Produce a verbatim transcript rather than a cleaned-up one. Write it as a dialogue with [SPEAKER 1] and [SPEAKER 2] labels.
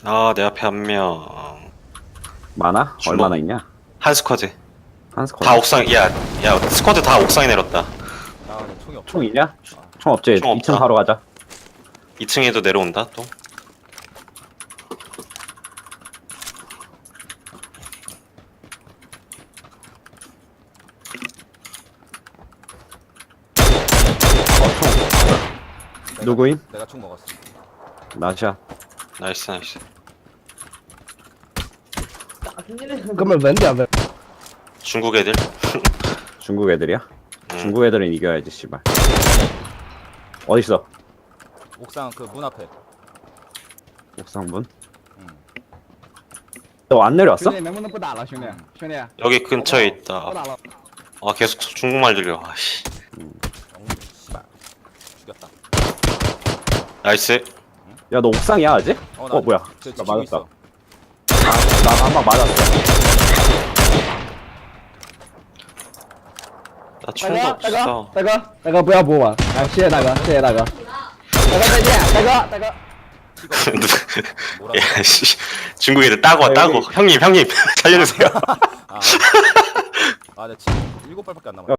[SPEAKER 1] 아, 내 앞에 한 명.
[SPEAKER 2] 많아?
[SPEAKER 1] 주먹.
[SPEAKER 2] 얼마나 있냐?
[SPEAKER 1] 한 스쿼드.
[SPEAKER 2] 한 스쿼드.
[SPEAKER 1] 다 옥상, 야, 야, 스쿼드 다 옥상에 내렸다.
[SPEAKER 3] 아 근데 총이 없.
[SPEAKER 2] 총 있냐? 총 없지?
[SPEAKER 1] 총
[SPEAKER 2] 이 층
[SPEAKER 1] 없다.
[SPEAKER 2] 바로 가자.
[SPEAKER 1] 이 층에도 내려온다, 또.
[SPEAKER 3] 내가-
[SPEAKER 2] 누구임?
[SPEAKER 3] 내가 총 먹었어.
[SPEAKER 2] 나시야.
[SPEAKER 1] 나이스, 나이스.
[SPEAKER 4] 哥们稳点呗。
[SPEAKER 1] 중국 애들.
[SPEAKER 2] 중국 애들이야?
[SPEAKER 1] 음.
[SPEAKER 2] 중국 애들은 이겨야지, 씨발. 어딨어?
[SPEAKER 3] 옥상 그 문 앞에.
[SPEAKER 2] 옥상문?
[SPEAKER 3] 응.
[SPEAKER 2] 너 안 내려왔어?
[SPEAKER 4] 兄弟，能不能不打了，兄弟？兄弟，
[SPEAKER 1] 여기 근처에
[SPEAKER 4] 不
[SPEAKER 1] 있다.
[SPEAKER 4] 打了。
[SPEAKER 1] 아, 계속 중국말 들려. 아씨.
[SPEAKER 3] 엉 씨발. 죽였다.
[SPEAKER 1] 나이스.
[SPEAKER 2] 야, 너 옥상이야, 아직?
[SPEAKER 3] 어,
[SPEAKER 2] 어,
[SPEAKER 3] 나
[SPEAKER 2] 뭐야?
[SPEAKER 3] 저
[SPEAKER 2] 나
[SPEAKER 3] 지키고
[SPEAKER 2] 맞았다.
[SPEAKER 3] 있어.
[SPEAKER 2] 아, 나 한 방 맞았어.
[SPEAKER 1] 나
[SPEAKER 4] 大
[SPEAKER 1] 총도
[SPEAKER 4] 哥，大
[SPEAKER 1] 없어.
[SPEAKER 4] 哥，大哥，大哥不要补我，哎，谢谢大哥，谢谢大哥。大哥再见，大哥，大哥。
[SPEAKER 1] 야, 씨. 중국 애들 따고 와,
[SPEAKER 2] 아,
[SPEAKER 1] 따고.
[SPEAKER 2] 여기-
[SPEAKER 1] 형님, 형님. 살려주세요.
[SPEAKER 3] 아. 아, 내 지금 일곱 발밖에 안 남았어.